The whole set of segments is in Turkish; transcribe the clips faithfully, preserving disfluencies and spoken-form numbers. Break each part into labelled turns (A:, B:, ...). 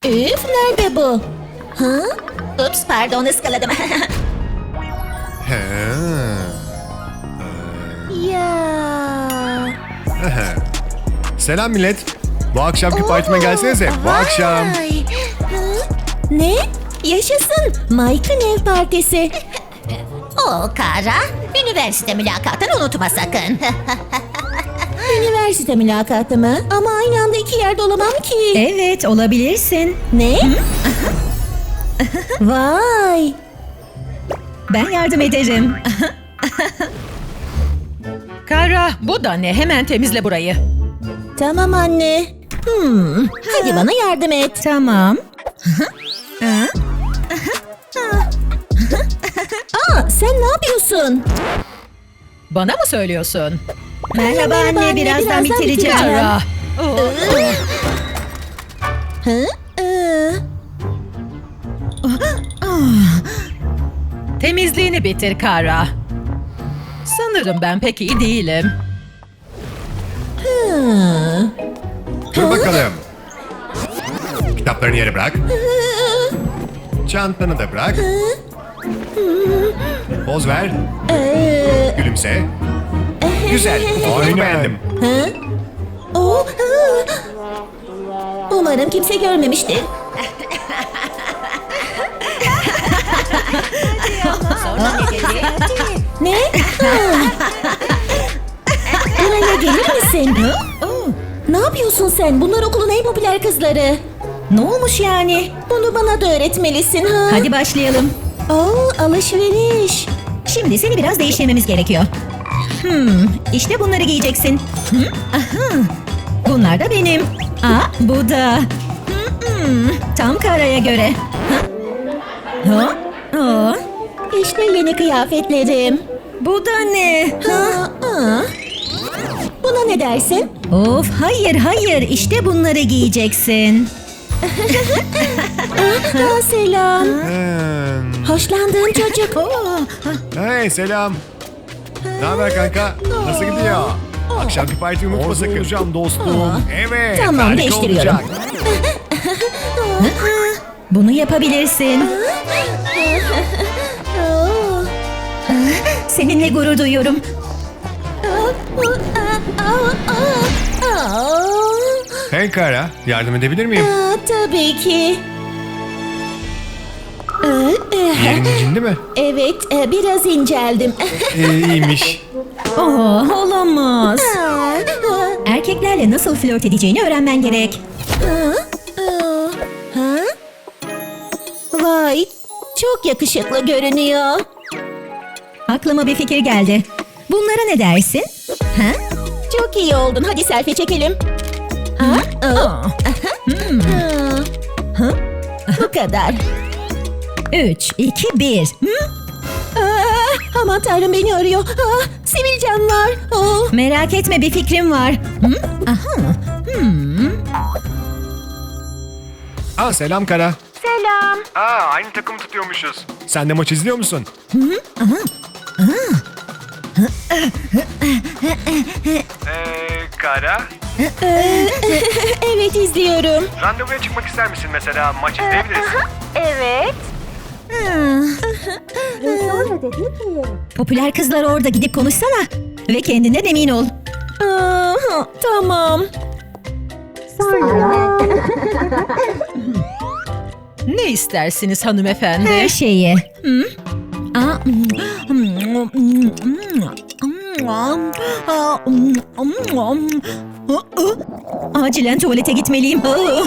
A: Üf, nerede bu? Ha? Ups, pardon, ıskaladım.
B: He.
A: Ya.
B: Selam millet. Bu akşamki partime gelsenize. Bu akşam.
A: Vay. Hı? Ne? Yaşasın. Mike'ın ev partisi.
C: O Kara, üniversite mülakatını unutma sakın.
A: Üniversite mülakatı mı? Ama aynı anda iki yerde olamam ki.
D: Evet, olabilirsin.
A: Ne? Vay.
D: Ben yardım ederim.
E: Kara, bu da ne? Hemen temizle burayı.
A: Tamam anne. Hmm. Hadi bana yardım et.
D: Tamam.
A: Aa, sen ne yapıyorsun?
E: Bana mı söylüyorsun?
D: Merhaba anne,
A: anne,
D: birazdan,
A: birazdan
D: bitireceğim.
A: bitireceğim.
E: Kara.
A: Hı? Ee,
E: Temizliğini bitir Kara. Sanırım ben pek iyi değilim.
A: hı.
B: Dur bakalım. Kitaplarını yere bırak. Çantanı da bırak. Poz ver.
A: Ee,
B: Gülümse. Güzel. Oyunu beğendim.
A: Hı? Oo, hı. Umarım kimse görmemiştir. Ne? Hı. Buraya gelir misin? Hı? Ne yapıyorsun sen? Bunlar okulun en popüler kızları.
D: Ne olmuş yani?
A: Bunu bana da öğretmelisin ha.
D: Hadi başlayalım.
A: Oo, alışveriş.
D: Şimdi seni biraz değiştirmemiz gerekiyor. Hmm, işte bunları giyeceksin. Hı, aha. Bunlar da benim. Aa, bu da. Hmm, tam Kara'ya göre. Ha? Ha? Aa,
A: İşte yeni kıyafetlerim.
D: bu da ne?
A: Ha, aa. Buna ne dersin?
D: Of, hayır hayır, işte bunları giyeceksin.
A: Aa, selam.
B: Hmm.
A: Hoşlandığım çocuk.
B: Hey selam. Ne haber kanka? Nasıl gidiyor? Akşamki partiyi unutma sakın. Olacağım dostum. Evet.
A: Tamam,
B: harika
A: değiştiriyorum.
B: olacak.
D: Bunu yapabilirsin.
A: Oo.
D: Seninle gurur duyuyorum.
B: Hey Kara, yardım edebilir miyim?
A: Aa, tabii ki. Ee, e,
B: Yerin incindi mi?
A: Evet, e, biraz inceldim.
B: Ee, iyiymiş.
D: Oh, olamaz.
A: Aa,
D: Erkeklerle nasıl flört edeceğini öğrenmen gerek.
A: aa, aa. Ha? Vay, çok yakışıklı görünüyor.
D: Aklıma bir fikir geldi. Bunlara ne dersin? Ha?
A: Çok iyi oldun. Hadi selfie çekelim. Ha? Aa.
D: Aa,
A: Ha. Bu kadar.
D: Üç, iki, bir. Hı?
A: Aa, aman tanrım, beni arıyor. Aa, sivilcem var. Oh.
D: Merak etme, bir fikrim var. Hı? Aha. Hmm.
B: Aa selam Kara.
A: Selam.
B: Aa aynı takım tutuyormuşuz. Sen de maç izliyor musun? Eee Kara?
A: Evet, izliyorum.
B: Randevuya çıkmak ister misin mesela? Maç izleyebiliriz.
A: Evet.
D: Popüler kızlar orada, gidip konuşsana. Ve kendinden emin ol.
A: Aa, tamam.
E: Ne istersiniz hanımefendi?
D: Her şeyi. Hı? Aa, Acilen tuvalete gitmeliyim.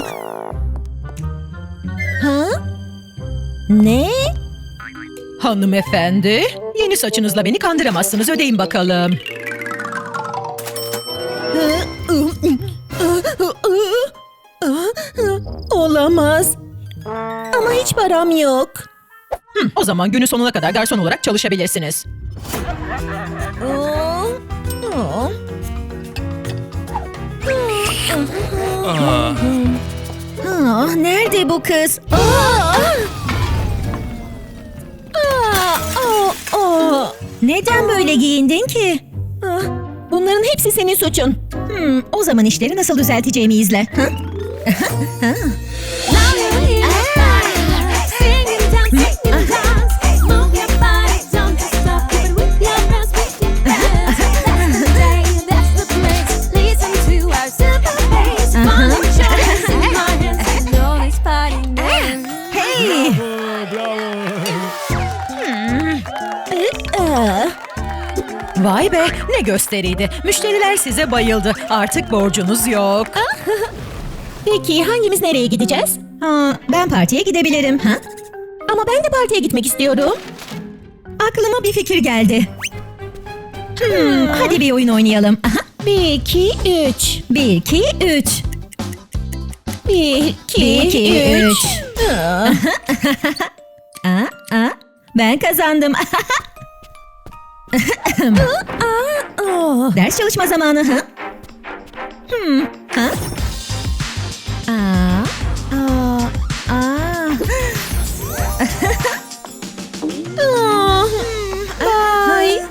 A: Ha? Ne?
E: Hanımefendi, yeni saçınızla beni kandıramazsınız. Ödeyin bakalım.
A: Olamaz. Ama hiç param yok.
E: Hı, o zaman günün sonuna kadar garson olarak çalışabilirsiniz.
A: Aa, aa.
B: Aa,
D: Ah, nerede bu kız?
A: Aa! Aa, aa, aa.
D: Neden böyle giyindin ki?
A: Ah, bunların hepsi senin suçun.
D: Hmm, o zaman işleri nasıl düzelteceğimi izle. Ha?
E: Vay be, ne gösteriydi. Müşteriler size bayıldı. Artık borcunuz yok.
A: Peki hangimiz nereye gideceğiz?
D: Ha, ben partiye gidebilirim. Ha?
A: Ama ben de partiye gitmek istiyorum.
D: Aklıma bir fikir geldi. Hmm, hadi bir oyun oynayalım. Aha.
A: Bir, iki, üç.
D: Bir, iki, üç.
A: Bir, iki,
D: Bir, iki,
A: üç.
D: üç. Aa, aa, ben kazandım.
A: Aa,
D: Ders çalışma zamanı. Ha? Hmm, ha? Aa, aa, aa.
A: aa. Bye.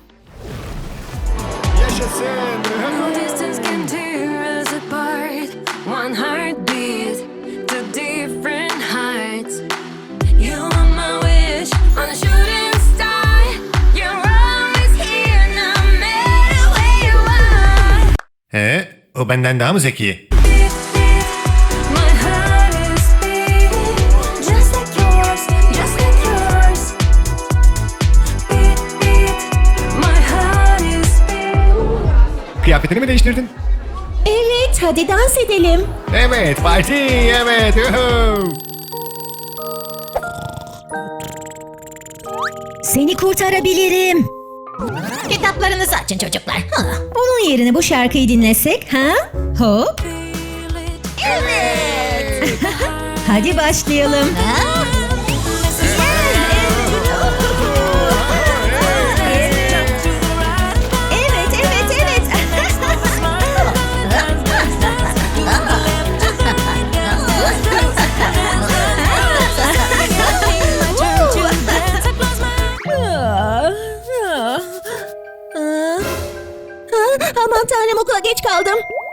B: Yaşasın.
F: Distance can tear us apart. One heartbeat to different heights. You are my wish on a shooting star. You're always here, no matter where you are.
B: He, o benden daha mı zeki?
F: Beat, beat, my heart is beating just like yours, just like yours. Beat, beat, my heart is beating.
B: Kıyafetini mi değiştirdin?
A: Evet, hadi dans edelim.
B: Evet, parti, evet. Yuhu.
D: Seni kurtarabilirim.
C: Kitaplarınızı açın çocuklar. Hı.
D: Onun yerine bu şarkıyı dinlesek, ha? Hop.
C: Evet.
D: Hadi başlayalım. Evet, evet, evet.
A: Aman tanrım, okula geç kaldım.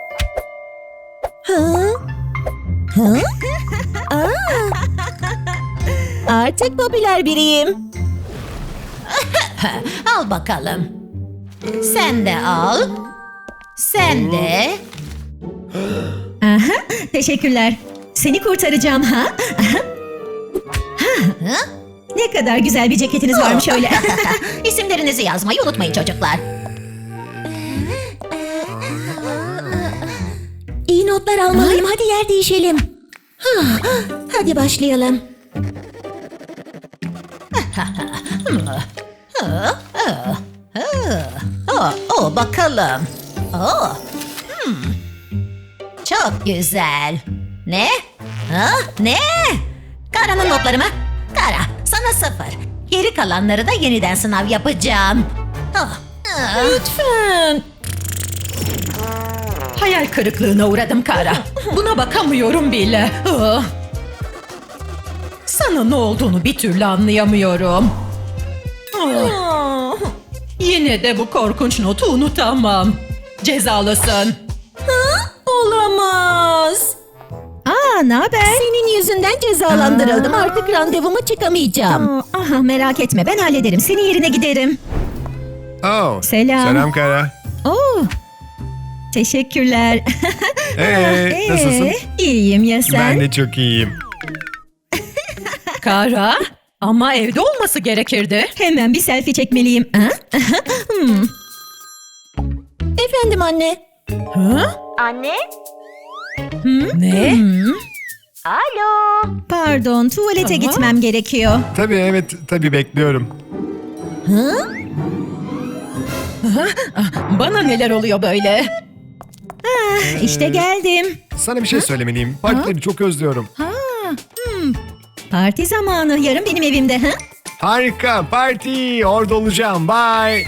A: Ha? Ha? Aa. Artık popüler biriyim.
C: Al bakalım. Sen de al. Sen de.
D: Aha, teşekkürler. Seni kurtaracağım, ha? Aha. Ha. Ne kadar güzel bir ceketiniz varmış öyle.
C: İsimlerinizi yazmayı unutmayın çocuklar.
A: İyi notlar almalıyım. Hadi yer değişelim. Ha, hadi başlayalım.
C: Oh, oh bakalım. Oh. Hmm. Çok güzel. Ne? Ha? Ne? Kara'nın notları mı? Kara, sana sıfır. Geri kalanları da yeniden sınav yapacağım. Oh. Ah.
A: Lütfen.
E: Hayal kırıklığına uğradım Kara. Buna bakamıyorum bile. Ah. Sana ne olduğunu bir türlü anlayamıyorum. Ah.
A: Aa,
E: Yine de bu korkunç notu unutamam. Cezalısın.
A: olamaz.
D: Aa, ne haber?
A: Senin yüzünden cezalandırıldım.
D: Aa.
A: Artık randevuma çıkamayacağım.
D: Aa, aha, merak etme, ben hallederim. Senin yerine giderim.
B: Oh,
D: Selam.
B: Selam Kara.
D: Oo. Teşekkürler.
B: Ee, nasılsın?
D: İyiyim ya sen?
B: Ben de çok iyiyim.
E: Kara, ama evde olması gerekirdi.
D: Hemen bir selfie çekmeliyim. Ha? Hmm.
A: Efendim anne.
E: Hı? Ne?
D: Hmm. Pardon, tuvalete
E: Aha.
D: gitmem gerekiyor.
B: Tabii evet, tabii bekliyorum.
E: Bana neler oluyor böyle?
D: İşte geldim.
B: Sana bir şey söylemeliyim. Partileri çok özlüyorum.
D: Ha, hmm. Parti zamanı. Yarın benim evimde. Ha?
B: Harika, parti. Orada olacağım. Bye.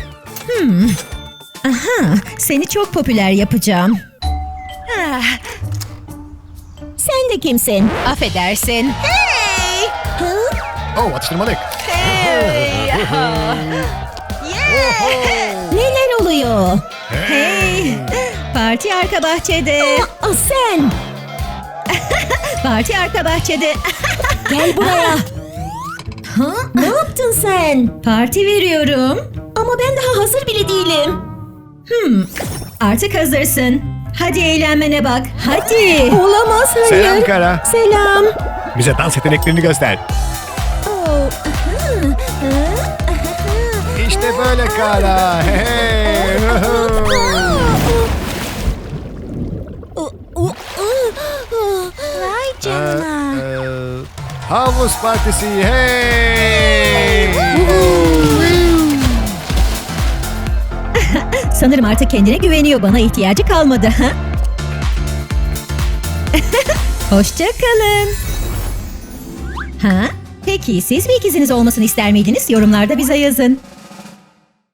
D: Aha, seni çok popüler yapacağım.
E: Ah,
A: Sen de kimsin?
E: affedersin.
A: Hey! Ha?
B: Oh, atıştırmalık.
E: Hey! Ah.
A: Neler oluyor?
D: Hey, parti arka bahçede.
A: Aa, sen.
D: Parti arka bahçede.
A: Gel buraya. Ha? Ne yaptın sen?
D: Parti veriyorum.
A: Ama ben daha hazır bile değilim.
D: Hmm, artık hazırsın. Hadi eğlenmene bak. Hadi.
A: Olamaz, hayır.
B: Selam Kara.
A: Selam.
B: Bize dans yeteneklerini göster.
A: Oh, aha, aha, aha.
B: İşte böyle Kara. Hey.
A: Vay canına.
B: Ee, havuz partisi. Hey.
D: Sanırım artık kendine güveniyor. Bana ihtiyacı kalmadı. Ha? Hoşça kalın. Ha? Peki siz bir ikiziniz olmasını ister miydiniz? Yorumlarda bize yazın.